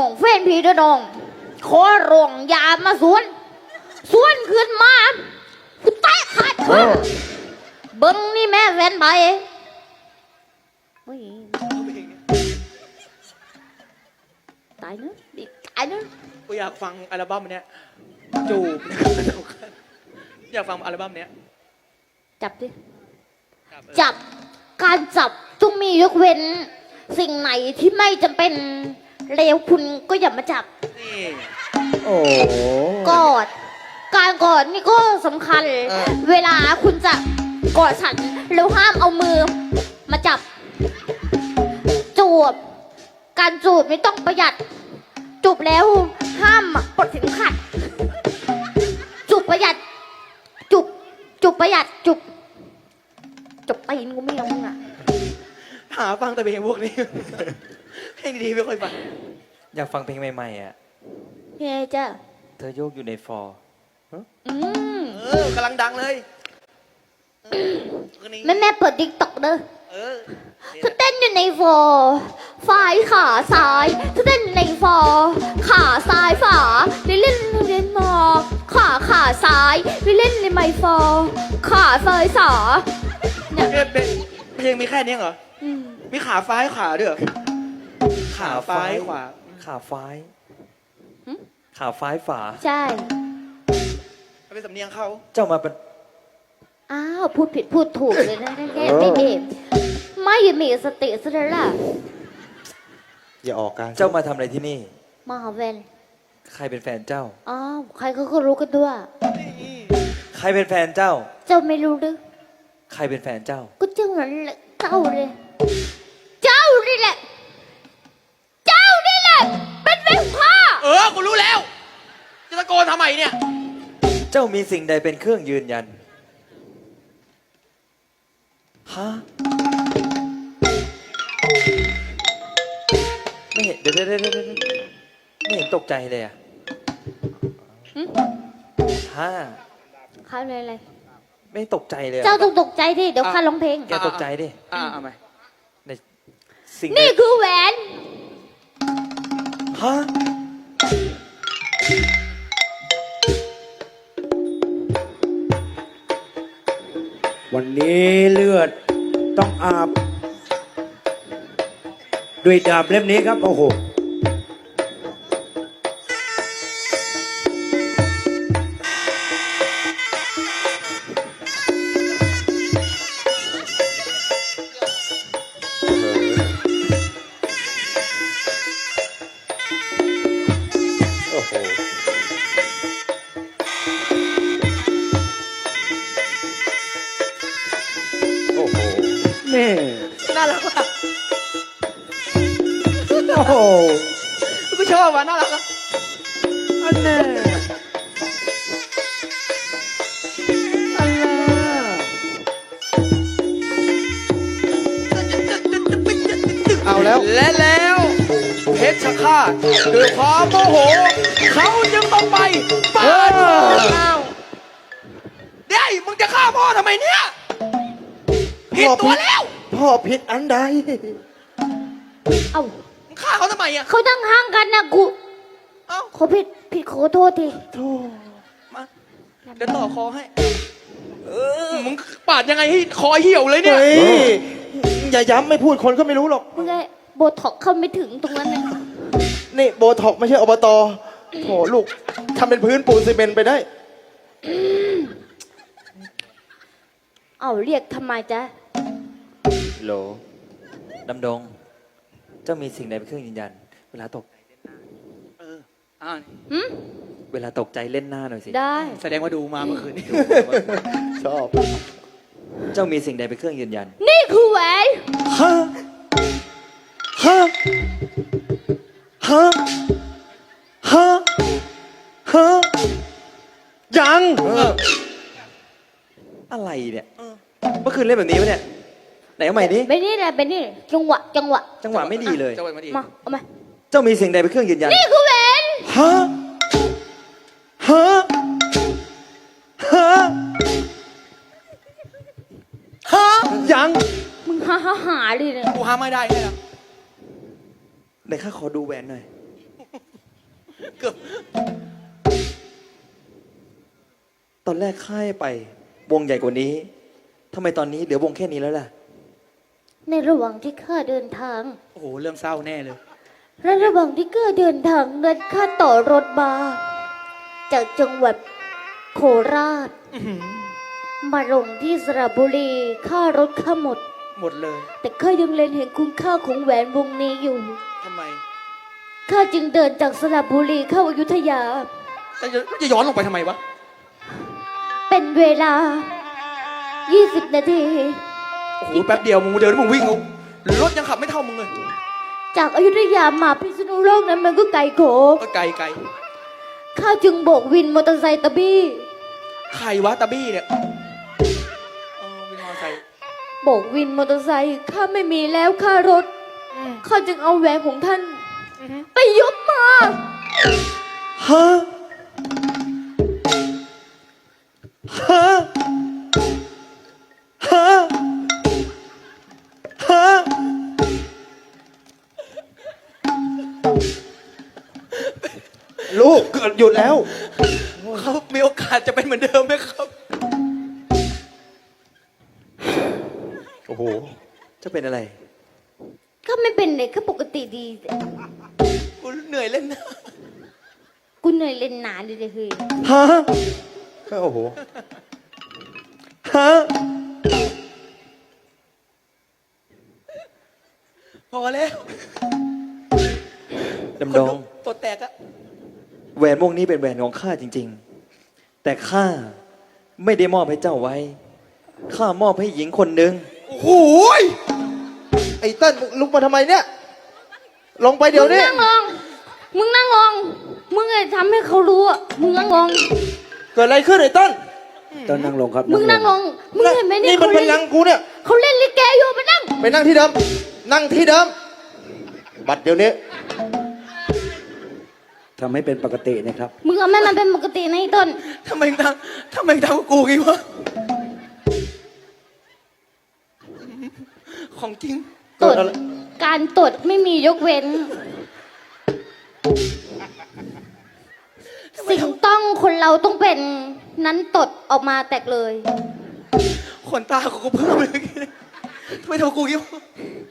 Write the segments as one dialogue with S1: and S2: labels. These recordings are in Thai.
S1: องแฟนพี่เด้อน้องขอร้องอย่ามาสวนขึ้นมากูแตะขาดเบิ้งนี่แม่แฟนไปตายเนอะตายเนอะ
S2: กูอยากฟังอัลบั้มเนี้ยจูบอยากฟังอัลบั้มเนี้ย
S1: จับดิจับการจับต้องมียกเว้นสิ่งไหนที่ไม่จำเป็นเลวคุณก็อย่ามาจับ
S2: นี่
S3: โอ้
S1: กอดการกอดนี่ก็สำคัญ เวลาคุณจะกอดฉันแล้วห้ามเอามือมาจับจูบการจูบไม่ต้องประหยัดจูบแล้วห้ามปลดเข็มขัดจูบประหยัดจูบประหยัดจูบตีนกูไม่เอามึงอ่ะ
S2: หาฟังแต่เพลงพวกนี้ เพลงดีๆไม่ค่อยฟัง
S3: อยากฟังเพลงใหม่ๆอ่ะ
S1: เฮ้ยจ้า
S3: เธอโยกอยู่ในฟอร์
S2: กำลังดังเลย
S1: แม่เปิดติ๊กต็อกเด้อ
S2: เออ
S1: เธอเต้นอยู่ในฟอร์ฝ่ายขาซ้ายเธอเต้นในฟอร์ขาซ้ายฝาเล่นมอขาซ้ายเล่นในไมฟอร์ขาซ้ายสาเนี่ย
S2: เพลงมีแค่นี้เหรอ มีขาฟ้ายขาด้วยเหรอขาฟ้ายขวา
S3: ขาฟ้ายขาฟ้ายฝา
S1: ใช่
S2: เป็นสำเนียงเขา
S3: เจ้ามาเป็น
S1: อ้าวพูดผิดพูดถูกเลยนะแค่ไม่เองไม่มีสติซะแล้วล่ะ
S4: อย่าออกการ
S3: เจ้ามาทำอะไรที่นี่
S1: มาหาแฟน
S3: ใครเป็นแฟนเจ้า
S1: อ้าวใครเขาก็รู้กันด้วย
S3: ใครเป็นแฟนเจ้า
S1: เจ้าไม่รู้หรือ
S3: ใครเป็นแฟนเจ้า
S1: ก็เจ้านั่นแหละเจ้าเลยเจ้านี่แหละเจ้านี่แหละเป็นแฟนข้า
S2: กูรู้แล้ว จะตะโกนทำไมเนี่ย
S3: เจ้ามีสิ่งใดเป็นเครื่องยืนยัน ฮะ ไม่เห็นเดี๋ยวไม่เห็นตกใจเลยอ่ะฮะ
S1: ข้าเลยอะไร
S3: ไม่ตกใจเลยอะ
S1: เจ้าต้องตกใจดิเดี๋ยวข้าร้องเพลง
S3: แกตกใจดิ
S2: เอาไหม
S3: ในสิ่ง
S1: นี่คือแหวน
S3: ฮะ
S4: วันนี้เลือดต้องอาบ ด้วยดาบเล่มนี้ครับ โอ้โห โอ้โห โอ้โหนี่
S2: น่ารักอ่ะ
S4: โอ้โห
S2: กูชอบว่ะน่ารักอ่ะ
S4: อันแน่อันน่ะ เอาแล้ว
S2: และแล้วเพชรฆาตด้วยความโมโห เขาจึงต้องไปปาดคอเอาเดี๋ยวมึงจะฆ่าพ่อทำไมเนี่ยผิดตัวแล้ว
S4: พ่อผิดอันใด
S1: เอ้า
S2: มึงฆ่าเขาทำไมอ่ะ
S1: เขาตั้งห่างกันนะกู
S2: เอ้า
S1: ขอผิดขอโทษที
S4: โธ่
S2: มาเดี๋ยวต่อคอให้มึงปาดยังไงให้คอเหี่ยวเลยเนี่ย
S4: เฮ้ย อย่าย้ำไม่พูดคนก็ไม่รู้หรอก
S1: มึงไงโบท็อกเข้าไม่ถึงตรงนั้นนะ
S4: นี่โบท็อกไม่ใช่อบตโถลูกทำเป็นพื้นปูนซีเมนต์ไปได้
S1: เอ้าเรียกทำไมจ๊ะ
S3: โหลดำดง เจ้ามีสิ่งใดเป็นเครื่องยืนยัน เวลาตก
S1: หืม
S3: เวลาตกใจเล่นหน้าหน่อยสิ
S1: ได้
S2: แสดงว่าดูมาเมื่อคืนนี้
S4: ชอบ
S3: เจ้ามีสิ่งใดเป็นเครื่องยืนยัน
S1: นี่คือแหวน
S3: ฮะ ฮะ ฮะ ฮะ ฮะ ยัง อะไรเนี่ย เมื่อคืนเล่นแบบนี้ปะเนี่ย ไหนเอาใหม่ดิ
S1: เป็นนี่แหละเป็นนี่จังหวะ
S3: จังหวะไม่ดีเลย
S2: จังหวะไม่ดี
S1: มาเอามา
S3: เจ้ามีสิ่งใดเป็นเครื่องยืนยัน
S1: นี่คือแหวน
S3: ฮะ ฮะ ฮะ ฮะ ยัง
S1: มึงหาเลยเนี่ย
S2: กูห้ามไม่ได้แค่นั้น
S3: ไหนข้าขอดูแหวนหน่อย
S2: เกือบ
S3: ตอนแรกข้าให้ไป วงใหญ่กว่านี้ทำไมตอนนี้เหลือวงแค่นี้แล้วล่ะ
S1: ในระหว่างที่ข้าเดินทาง
S2: โอ้โห เรื่องเศร้าแน่เลย
S1: และระหว่างที่ข้าเดินทางนั้นข้าต่อรถมาจากจังหวัดโคราช มาลงที่สระบุรีค่ารถข้าหมด
S2: หมดเลย
S1: แต่ข้ายังเล็งเห็นคุณค่าของแหวนวงนี้อยู่
S2: ทำไม
S1: ข้าจึงเดินจากสระบุรีเข้าอยุธยา
S2: จะย้อนลงไปทำไมวะ
S1: เป็นเวลา 20 นาที
S2: โอ้โห แป๊บเดียวมึงเดินมึงวิ่งเอารถยังขับไม่เท่ามึงเลย
S1: จากอยุธยามาพิษณุโลกนั้นมันก็ไกลโข
S2: ก็ไกลไกล
S1: ข้าจึงโบกวินมอเตอร์ไซค์ตะบี้
S2: ใครวะตาบี้เนี่ยวินมอเตอร์ไซค์
S1: โบกวินมอเตอร์ไซค์ข้าไม่มีแล้วค่ารถ ข้าจึงเอาแหวนของท่าน ไปยกมา
S3: ฮะ ฮะ ฮะ ฮะ
S4: ลูกหยุดแล้ว
S2: เขามีโอกาสจะเป็นเหมือนเดิมไหมครับ
S4: โอ้โห
S3: จะเป็นอะไร
S1: ข้าไม่เป็นเลยข้าปกติดี
S2: กูเหนื่อยเล่นนะ
S1: กูเหนื่อยเล่นหนาเลยเฮ้ย
S3: ฮะ
S4: โอ้โห
S3: ฮะ
S2: พอแล้ว
S3: ดำดง
S2: ตัวแตกอะ
S3: แหวนวงนี้เป็นแหวนของข้าจริง ๆ แต่ข้าไม่ได้มอบให้เจ้าไว้ ข้ามอบให้หญิงคนหนึ่ง
S2: โอ้โห
S4: ไอ้เติ้ลมึงลุกมาทำไมเนี่ย ลงไปเดี๋ยวนี้
S1: มึงนั่งลง มึงนั่งลง มึงไอ้ทำให้เขารู้อะมึงนั่งลง
S4: เกิดอะไรขึ้นไอ้เติ้ล
S5: ต้องนั่งลงครับ
S1: มึงนั่งลง มึงเห็นไหมเนี่ย
S4: นี่มันเป็นลังกูเนี่ย
S1: เขาเล่นลิเกอยู่ไปนั่ง
S4: ไปนั่งที่เดิม นั่งที่เดิม บัดเดี๋ยวนี้
S5: ทำให้เป็นปกตินะครับ
S1: มึงเอาแม่มันเป็นปกติในะไอ้ต้น
S2: ทำไมทำกับกูงี้วะ ของจริง
S1: ตด การตดไม่มียกเว้น สิ่งต้องคนเราต้องเป็นนั้นตดออกมาแตกเลย
S2: ขนตาของกูเพิ่มเลยทำไมทำกับกูงี้วะ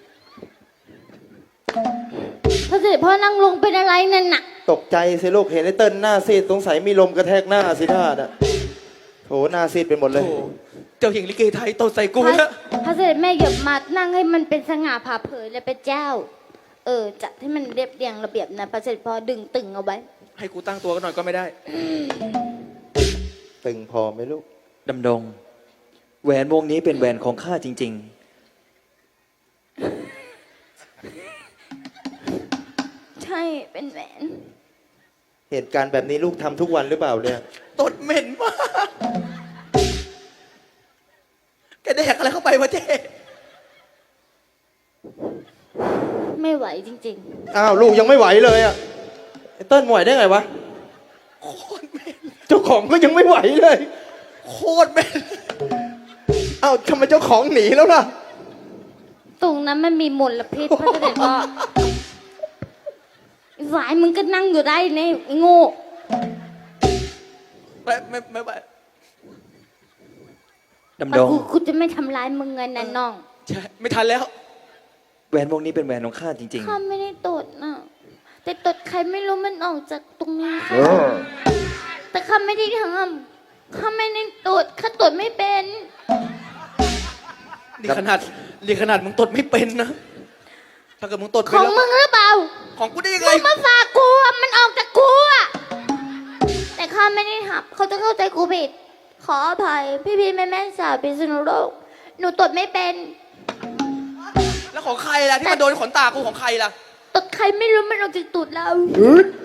S1: พระเสด็จพ่อนั่งลงเป็นอะไรนั่นน่ะ
S4: ตกใจสิลูกเห็นไอ้เติ้ลหน้าซีดสงสัยมีลมกระแทกหน้าสิท่าน่ะโถหน้าซีดเป็นหมดเลย
S2: โอ้โหเจ้าหญิงลิเกไทยตดใส่กู
S1: พระ
S2: นะ
S1: พระเสด็จแม่เหยียบมานั่งให้มันเป็นสง่าผ่าเผยและเป็นเจ้า จัดให้มันเรียบเรียงระเบียบนะพระเสด็จพ่อดึงตึงเอาไว้
S2: ให้กูตั้งตัวกันหน่อยก็ไม่ได้
S4: ตึงพอไหมลูก
S3: ดำดง แหวนวงนี้เป็นแหวนของข้าจริง
S1: ใช่เป็นแหวน
S4: เหตุการณ์แบบนี้ลูกทำทุกวันหรือเปล่าเนี่ย
S2: ตดเหม็นมากแกแดกอะไรเข้าไปวะเจ๊
S1: ไม่ไหวจริง
S4: อ้าวลูกยังไม่ไหวเลยอ่ะไอ้เติ้ลไหวได้ไงวะ
S2: โคตรเหม็น
S4: เจ้าของก็ยังไม่ไหวเลย
S2: โคตรเหม็น
S4: อ้าวทำไมเจ้าของหนีแล้วล่ะ
S1: ๆ ตรงนั้นมันมีมลพิษพระเสด็จพ่อหวายมึงก็นั่งอยู่ได้เนี่ยไอ้โง่
S2: ไม่ไหว
S3: ๆ ดำดง
S1: กูจะไม่ทำร้ายมึงไงนะน้อง
S2: ใช่ ไม่ทันแล้ว
S3: แหวนวงนี้เป็นแหวนของข้าจริง
S1: ข้าไม่ได้ตดนะแต่ตดใครไม่รู้มันออกจากตรงนี้ค่ะแต่ข้าไม่ได้ทำข้าไม่ได้ตดข้าตดไม่เป็น
S2: นี่ขนาดมึงตดไม่เป็นนะ ถ้าเกิดมึงตด
S1: ข
S2: เป็น
S1: อง
S2: แล้ว
S1: มึงหรือเปล่า
S2: ของกูได้ยัง
S1: มึ
S2: ไง
S1: งมาฝากกูอะมันออกจากกูอะแต่ข้าไม่ได้ทำเขาจะเข้าใจกูผิด ขออภัยพี่แม่สาวพิษณุโลกหนูตดไม่เป็น
S2: แล้วของใครล่ะที่มาโดนขนตากูของใครล่ะ
S1: ตดใครไม่รู้มันออกจากตูดเรา
S4: อืด